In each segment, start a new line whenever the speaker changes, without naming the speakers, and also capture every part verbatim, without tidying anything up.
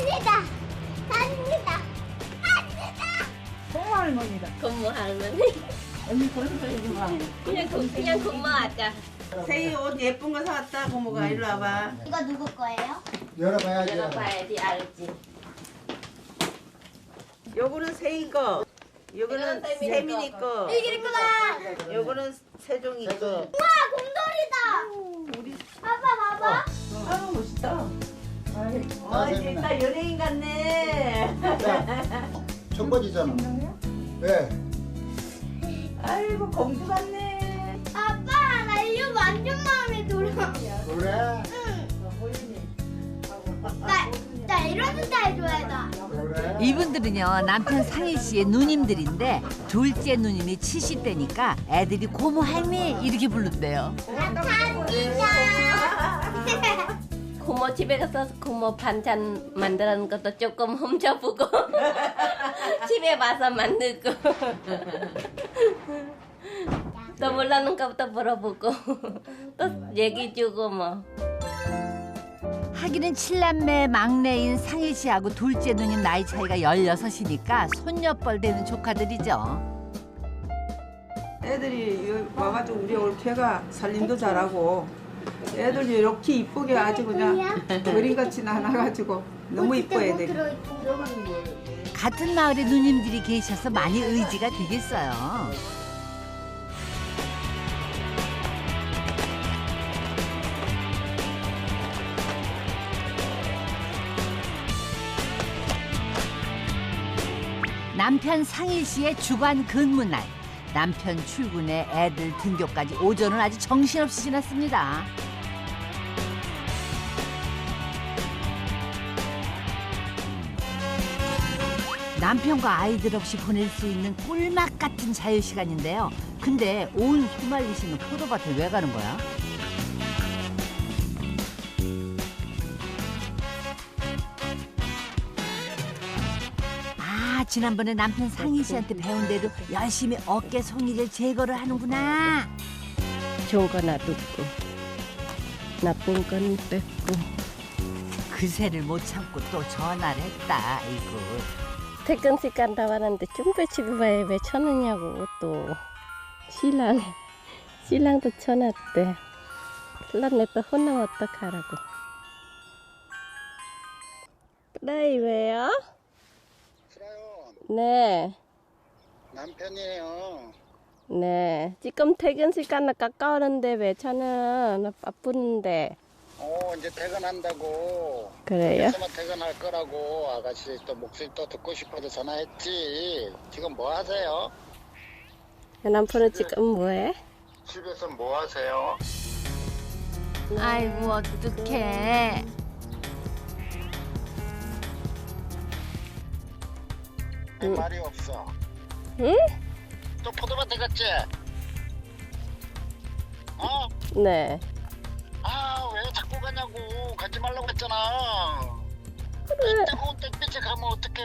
갑니다. 갑니다. 갑니다.
고모 할머니다.
고모 할머니.
언니 그런 거 하지 마.
그냥 고, 그냥 고모하자.
세희 옷 예쁜 거 사왔다. 고모가 일로 와봐.
이거 누구 거예요?
열어봐야지.
열어봐야지 알지.
요거는 세희 거. 요거는
이건 세민이
세민이
거.
거.
이거구나.
요거는 세종이 거.
우와, 곰돌이다.
우리
봐봐, 봐봐.
아 멋있다.
아,
어,
세민아.
진짜 연예인 같네.
자, 청바지잖아. 예.
아이고 공주 같네.
아빠, 나 이거 완전 마음에 들어.
그래.
나, 나 이런 스타일 좋아해, 나.
그래.
이분들은요 남편 상희 씨의 누님들인데 둘째 누님이 칠십 대니까 애들이 고모 할미 이렇게 부른대요.
감사합니다.
고모 집에 가서 고모 반찬 만드는 것도 조금 훔쳐보고 집에 와서 만들고 또 몰라는 것부터 물어보고 또 얘기 주고 뭐.
하기는 칠남매 막내인 상희 씨하고 둘째 누님 나이 차이가 열여섯이니까 손녀뻘 되는 조카들이죠.
애들이 여- 와가지고 우리 올케가 살림도 잘하고 애들 이렇게 이쁘게 아주 그냥 그림같이 나눠가지고 너무 이뻐 애들이.
같은 마을에 누님들이 계셔서 많이 의지가 되겠어요. 남편 상일 씨의 주간 근무날. 남편 출근에 애들 등교까지 오전을 아주 정신없이 지났습니다. 남편과 아이들 없이 보낼 수 있는 꿀맛 같은 자유시간인데요. 근데 온 휘말리시는 포도밭에 왜 가는 거야? 아, 지난번에 남편 상희 씨한테 배운 대로 열심히 어깨 송이를 제거를 하는구나.
좋은 거 놔두고 나쁜 건 뺐고.
그새를 못 참고 또 전화를 했다. 아이고.
퇴근 시간 다 왔는데 준비 집에 와야 왜 쳐느냐고 또 신랑 신랑도 쳐놨대. 신랑 내또 혼나면 어떡하라고. 그래 왜요?
그래요.
네,
남편이에요.
네. 지금 퇴근 시간 가까우는데 왜 저는 나 바쁜데.
어, 이제 퇴근한다고.
그래요?
그래서 퇴근할 거라고 아가씨 또 목소리 또 듣고 싶어서 전화했지. 지금 뭐 하세요?
남편은 지금 뭐해?
집에서 뭐 하세요?
아이고 어떡해.
왜 말이 없어?
응?
또 포도밭에 갔지? 어?
네.
아, 왜 자꾸 가냐고. 가지 말라고 했잖아.
그래.
뜨거운 땡볕에 가면 어떡해.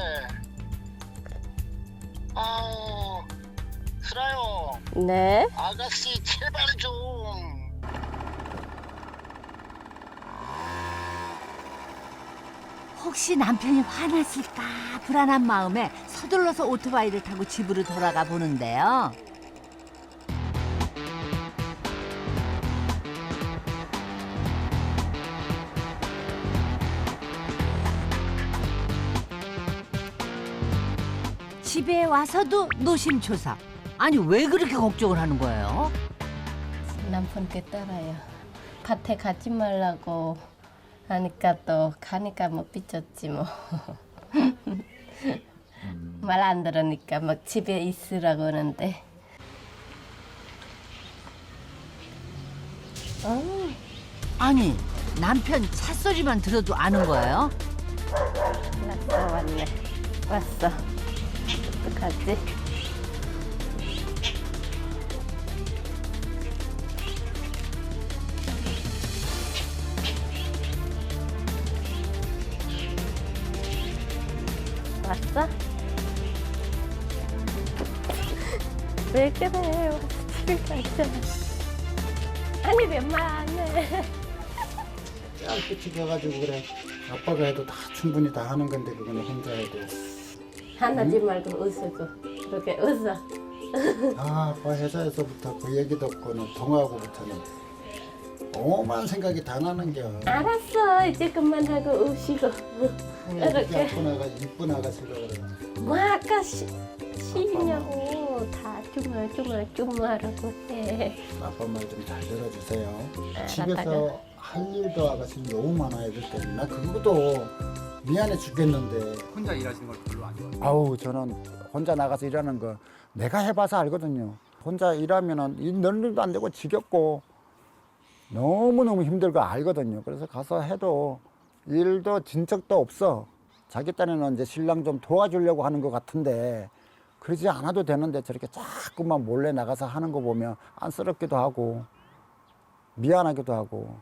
아우, 슬아요.
네.
아가씨, 제발 좀.
혹시 남편이 화났을까 불안한 마음에 서둘러서 오토바이를 타고 집으로 돌아가 보는데요. 집에 와서도 노심초사. 아니 왜 그렇게 걱정을 하는 거예요?
남편께 따라요. 밭에 가지 말라고 하니까 또 가니까 뭐 삐쳤지 뭐. 말 안 들으니까 막 집에 있으라고 하는데. 어,
아니 남편 찻소리만 들어도 아는 거예요?
왔어 왔네. 왔어. 어떡하지? 왔어? 왜 그래? 집에 가자. 아니 웬말 안 해.
짧게 튀겨가지고 그래.
아빠가 해도 다 충분히 다 하는 건데 그거는 혼자 해도.
화나지 말고 웃고 그렇게 웃어.
아, 아빠 회사에서부터 그 얘기 듣고는 통화하고부터는 오만 생각이 다 나는겨.
알았어 이제 그만하고 웃시고.
이렇게
이렇게.
이쁜 아가 이쁜 아가씨가 그래.
뭐 아까 시, 시냐고 다 주물주물 주물하라고 해.
아빠 말 좀 잘 들어주세요.
알았다가.
집에서 할 일도 아가씨 너무 많아야 될 때문에 나 그것도 미안해 죽겠는데.
혼자 일하시는 걸 별로 안 좋아해요.
아우 저는 혼자 나가서 일하는 거 내가 해봐서 알거든요. 혼자 일하면은 일 너는 안 되고 지겹고 너무너무 힘들고 알거든요. 그래서 가서 해도 일도 진척도 없어. 자기 딴에는 이제 신랑 좀 도와주려고 하는 것 같은데 그러지 않아도 되는데 저렇게 자꾸만 몰래 나가서 하는 거 보면 안쓰럽기도 하고 미안하기도 하고.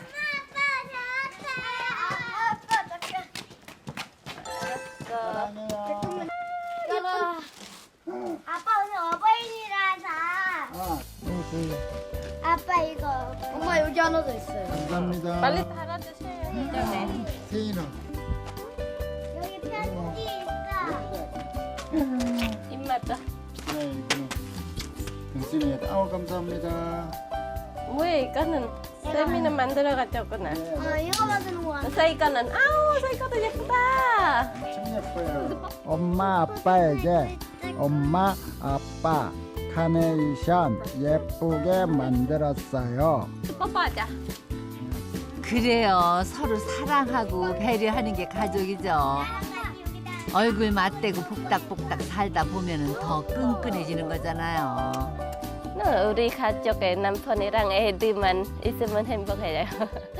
아빠 오늘 어버이날이라서
아,
아빠 이거 엄마 여기 하나 더 있어요.
감사합니다.
빨리 달아주세요 예전에.
세인아.
여기 편지 있어.
입맛도.
네, 이거는 당신이 아우 감사합니다.
뭐야 이거는 쌤이는 만들어 가졌구나.
어 이거 만드는 거야.
서이거는 아우 서이거도 예쁘다.
엄청 예뻐요. 엄마 아빠에게 엄마 아빠 카네이션 예쁘게 만들었어요.
뽀뽀하자.
그래요. 서로 사랑하고 배려하는 게 가족이죠. 얼굴 맞대고 복닥복닥 살다 보면은 더 끈끈해지는 거잖아요.
우리 가족의 남편이랑 애들만 있으면 행복해요.